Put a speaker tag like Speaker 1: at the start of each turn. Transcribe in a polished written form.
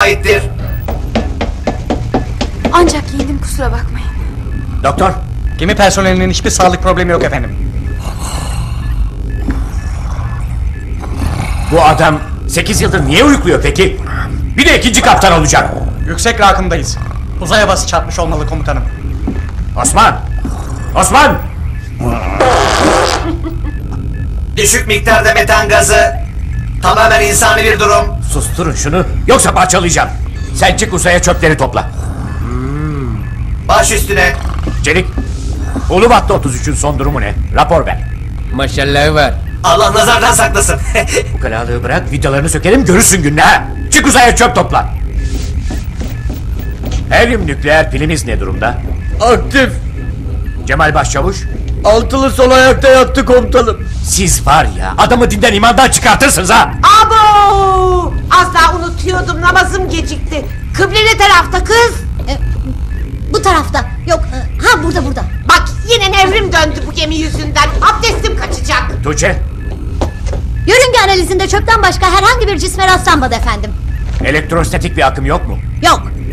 Speaker 1: aittir?
Speaker 2: Ancak giyindim, kusura bakmayın.
Speaker 3: Doktor,
Speaker 4: Gemi personelinin hiçbir sağlık problemi yok efendim.
Speaker 3: bu adam 8 yıldır niye uyukluyor peki? Bir de ikinci kaptan olacak.
Speaker 4: Yüksek rakımdayız. Uzay havası çarpmış olmalı komutanım.
Speaker 3: Osman! Osman!
Speaker 1: Düşük miktarda metan gazı. Tamamen insani bir durum.
Speaker 3: Susturun şunu, yoksa parçalayacağım. Sen çık uzaya çöpleri topla.
Speaker 1: Baş üstüne.
Speaker 3: Çelik, Ulubat'ta 33'ün son durumu ne? Rapor ver.
Speaker 5: Maşallah var.
Speaker 1: Allah nazardan saklasın.
Speaker 3: Bu kalalığı bırak, vidalarını sökelim, görürsün gününü ha. Çık uzaya çöp topla. Helyum nükleer pilimiz ne durumda?
Speaker 5: Aktif.
Speaker 3: Cemal Başçavuş,
Speaker 5: Altılı sol ayakta yattı komutanım.
Speaker 3: siz var ya, adamı dinden imandan çıkartırsınız ha.
Speaker 6: Abo! Az daha unutuyordum, namazım gecikti. Kıble ne tarafta kız?
Speaker 7: Bu tarafta. Yok. Ha, burada.
Speaker 6: Bak yine nevrim döndü bu gemi yüzünden. Abdestim kaçacak.
Speaker 3: Tuğçe,
Speaker 7: Yörünge analizinde çöpten başka herhangi bir cisme rastlanmadı efendim.
Speaker 3: elektrostatik bir akım yok mu?
Speaker 7: Yok.